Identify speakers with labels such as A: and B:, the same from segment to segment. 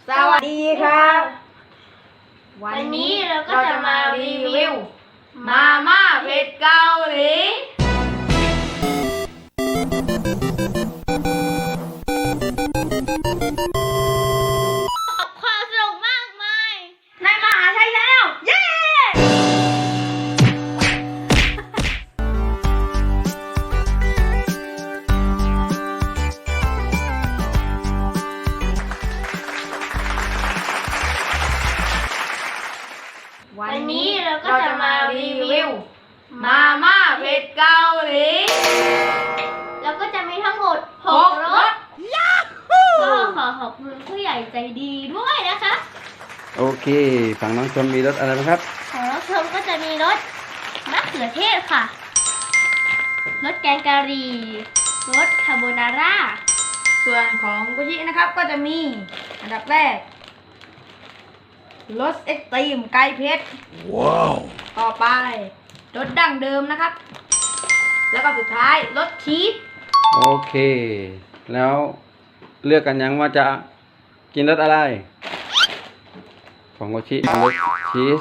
A: สวัสดีครับ
B: วันนี้เราก็จะมารีวิว
A: มาม่าเผ็ดเกาหลี
B: ความสนุกมากมาย
A: ในมหาชัยแล้วเย้
B: วันนี้เราก็จะมารีวิว
A: มาม่าเผ็ดเกาหลี
B: แล้วก็จะมีทั้งหมด
A: หก
B: 6 ร
A: ร
B: ส
A: ส
B: ก็ขอขอบคุณผู้ใหญ่ใจดีด้วยนะคะ
C: โอเคฝั่งน้องชมมีรสอะไรบ้างครับ
B: ของน้องชมก็จะมีรสมะเขือเทศค่ะรสแกงกะหรี่รสคาโบนาร่า
A: ส่วนของกุชินะครับก็จะมีอันดับแรกรสเอ็กซ์ตรีมไก่เผ็ดว้าวต่อไปรสดั้งเดิมนะครับ แล้วก็สุดท้ายรสชีส
C: โอเค แล้วเลือกกันยังว่าจะกินรสอะไร ของโกชิรสชีส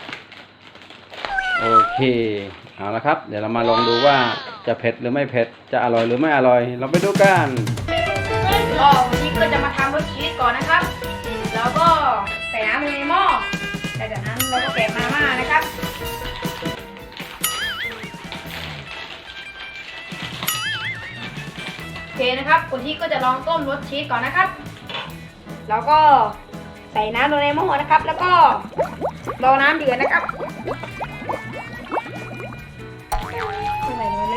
C: โอเคเอาละครับ เดี๋ยวเรามาลองดูว่าจะเผ็ดหรือไม่เผ็ดจะอร่อยหรือไม่อร่อย เราไปดูกัน
A: ก็วันนี้ก็จะมาทำรสชีสก่อนนะครับ แล้วก็ใส่น้ำลงในหม้อแต่จากนั้นเราก็แกะมาม่านะครับโอเคนะครับคนที่ก็จะลองต้มรสชีสก่อนนะครับ แล้วก็ใส่น้ำลงในหม้อนะครับ แล้วก็รอน้ำเดือดนะครับใส่มาเลย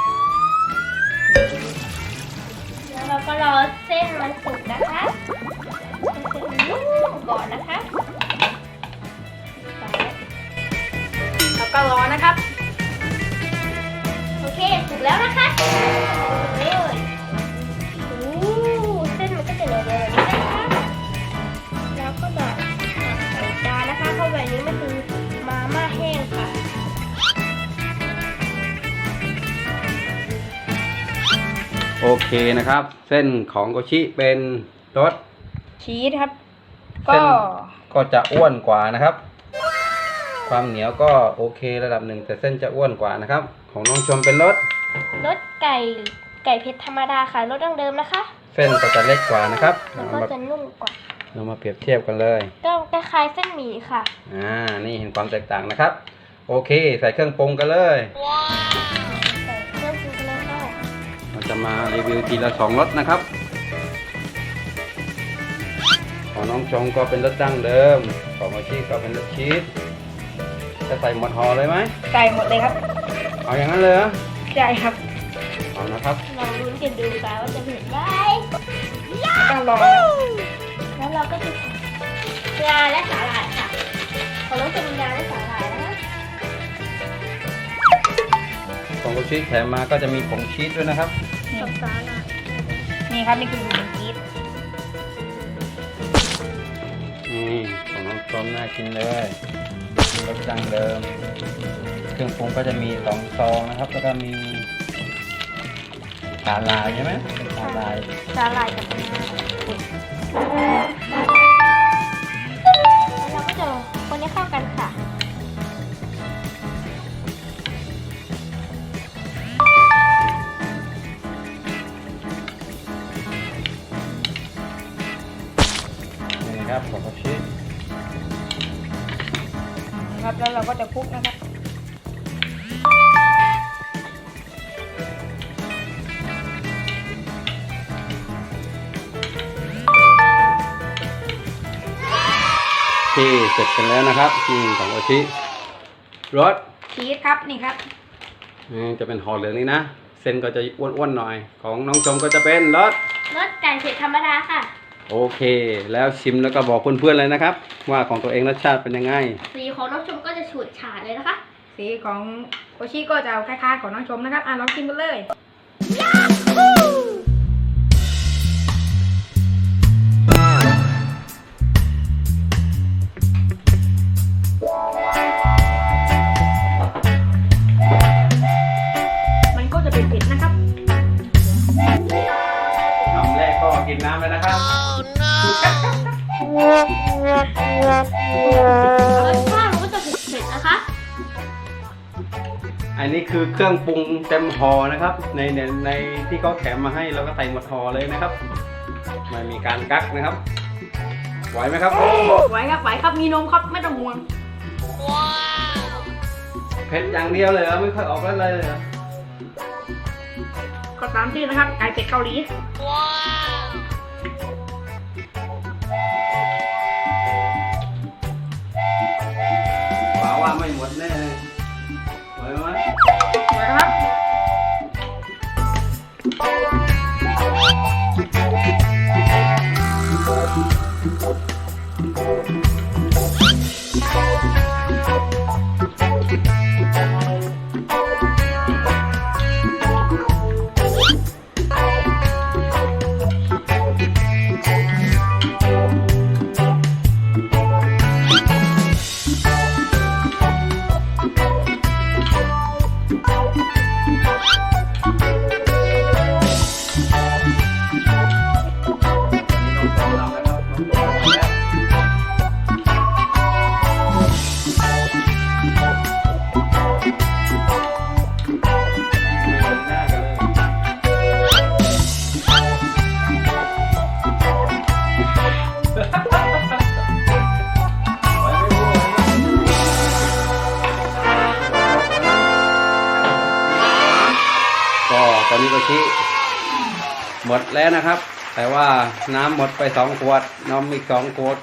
B: แล้วเราก็รอเส้นมันสุกนะคะเส้นมันนุ่มก่อนนะคะ
A: แล้วก็รอนะครับ
B: โอเคสุกแล้วนะคะเลยโอ้เส้นมันก็จะเหลืองๆแบบนี้นะคะแล้วก็จะใส่จานนะคะเข้าไปนี้มันคือมาม่าแห้งค่ะ
C: โอเคนะครับ เส้นของโกชิเป็นรส
A: ชีสครับ
C: เส้
A: ก็
C: นก็จะอ้วนกว่านะครับ ความเหนียวก็โอเคระดับหนึ่งแต่เส้นจะอ้วนกว่านะครับ ของน้องชมเป็นรส
B: รสไก่เผ็ดธรรมดาค่ะรสดั้งเดิมนะคะ
C: เส้นก็จะเล็กกว่านะครับ
B: แล้วก็จะนุ่มกว่า
C: เรามาเปรียบเทียบกันเลย
B: ก็คล้ายๆเส้นหมี่ค่ะ
C: นี่เห็นความแตกต่างนะครับ โอเค ใส่เครื่องปรุงกันเลย
B: ใส่เครื่องปรุงแล้วก็
C: เราจะมารีวิวทีละ2รสนะครับ ของน้องชงก็เป็นรสดั้งเดิม ของโมชิก็เป็นรสชีส จะใส่หมดห่อเลยไหม
A: ใส่หมดเลยครับ
C: เอาอย่างนั้นเลยเหรอ
A: ใช่ครับ
C: เอานะครับ
B: ลองลุ้นกันดูค่ะว่าจะเผ็ดไหม
A: ต้องรอ
B: แล้วเราก็จะใส่งาและสาหร่ายค่ะของน้องจะมีงาและสาหร่ายนะคะ
C: ของโมชิแถมมาก็จะมีผงชีสด้วยนะครับ
B: กับสาหร่าย
A: นี่ครับนี่คือหมูชีส
C: นี่ของน้องชมน่ากินเลยรสดั้งเดิม เครื่องปรุงก็จะมี2ซองนะครับ แล้วก็มีสาหร่ายใช่ไหมเป็นสาหร่าย
B: สาหร่ายกับงาแล้วเราก็จะคนให้เข้ากันค่ะ
C: นี่นะครับของโมชิ
A: นะครับแล้วเราก็จะคลุกนะครับ
C: ที่เสร็จกันแล้วนะครับที่ของโอชิรส
A: ชีสครับนี่ครับ
C: จะเป็นห่อเหลืองนี่นะ เส้นก็จะอ้วนๆหน่อย ของน้องชมก็จะเป็นรส
B: รสไก่เผ็ดธรรมดาค่ะ
C: โอเค แล้วชิมแล้วก็บอกเพื่อนๆเลยนะครับ ว่าของตัวเองรสชาติเป็นยังไง
B: สีของน้องชมก็จะฉูดฉาดเลยนะคะ
A: สีของโอชิก็จะคล้ายๆของน้องชมนะครับลองชิมกันเลย มันก็จะเป็นเผ็ดนะครับ
C: คำแรกก็กินน้ำเลยนะครับ
B: ว้
C: อันนี้คือเครื่องปรุงเต็มห่อนะครับ ในที่เขาแถมมาให้เราก็ใส่หมดห่อเลยนะครับไม่มีการกักนะครับไหวไหมครับ
A: ไหวครับไหวครับมีนมครับไม่ต้องห่วง
C: เผ็ดอย่างเดียวเลยเหรอไม่ค่อยออกแล้วเลยเหรอ
A: ก็ตามชื่อนะครับไก่เป็ดเกาหลี
C: ป่าว่าไม่หมดแน่ไหวไหม
A: ไหวครับ ก็ตอนนี้โกชิหมดแล้วนะครับ แต่ว่าน้ำหมดไป2 ขวดนมอีก2 ขวด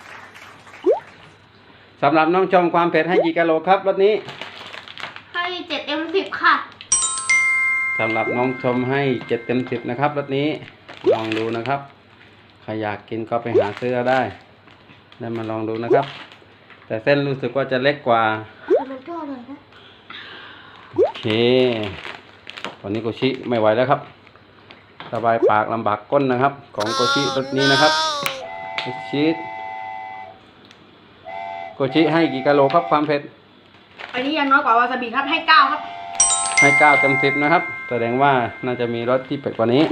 A: สำหรับน้องชมความเผ็ดให้กี่กิโลครับรสนี้
B: ให้7 เต็ม 10ค่ะ
C: สำหรับน้องชมให้7 เต็ม 10นะครับรสนี้ลองดูนะครับใครอยากกินก็ไปหาซื้อได้แล้วมาลองดูนะครับ แต่เส้นรู้สึกว่าจะเล็กกว่า
B: แต่มันก็อร่อยนะ
C: โอเควันนี้โกชิไม่ไหวแล้วครับสบายปากลำบากก้นนะครับ ของโกชิรสนี้นะครับโกชิให้กี่กิโลครับความเผ็ด
A: อันนี้ยังน้อยกว่าวาซาบิครับให้9ครับ
C: ให้9 เต็ม 10นะครับแสดงว่าน่าจะมีรสที่เผ็ดกว่านี้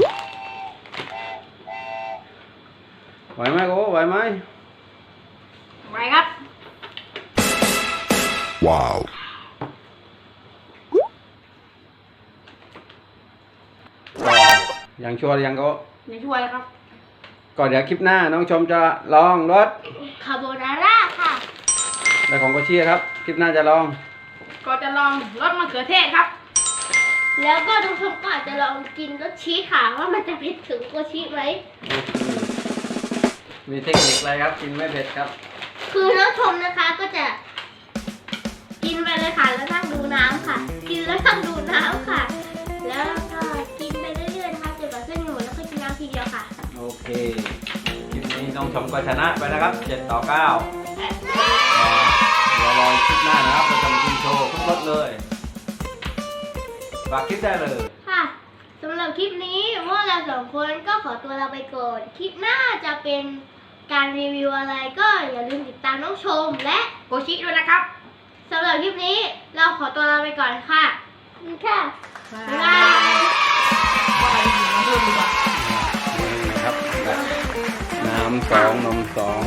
C: ไหวไหมโก้ไหวไหม
A: ไหวครับ
D: Wow.
C: ยังชัวร์ยังก็
A: ในช่วยครับ
C: ก่อนเดี๋ยวคลิปหน้าน้องชมจะลองรส
B: คาโบนาร่าค่ะ
C: และของโกชิครับคลิปหน้าจะลอง
A: ก็จะลองรสมะเขือเทศครับ
B: แล้วก็ทุกคนก็อาจจะลองกินรสชีสค่ะว่ามันจะเผ็ดถึงกว่าชีสไหม
C: มีเทคนิคอะไรครับกินไม่เผ็ดครับ
B: คือน้องชมนะคะก็จะกินไปเลยค่ะแล้วนั่งดูน้ำค่ะ กินแล้วนั่งดูน้ำค่ะ แล้วก็กินไปเรื่อยๆนะคะจนกว่าเส้นหนูแล้วก็กินน้ำทีเดียวค่ะ
C: โอเคคลิปนี้น้องชมก็ชนะไปนะครับ7-9เดี๋ยวรอคลิปหน้านะครับเราจะมากินโชว์ทุกรสเลยฝากคลิปได้เลย
B: ค่ะสำหรับคลิปนี้พวกเราสองคนก็ขอตัวลาไปก่อนคลิปหน้าจะเป็นการรีวิวอะไรก็อย่าลืมติดตามน้องชมและ
A: โกชิด้วยนะครับ
B: สำหรับคลิปนี้เราขอตัวลาไปก่อนค่ะขอบคุณค่ะ
A: บ๊าย
B: บ๊าย
A: บา
B: บาย ย
A: ว่าอะไรอยู่มาเพิ่มดีกว่า
C: นี่นะครับน้ำ2 นม2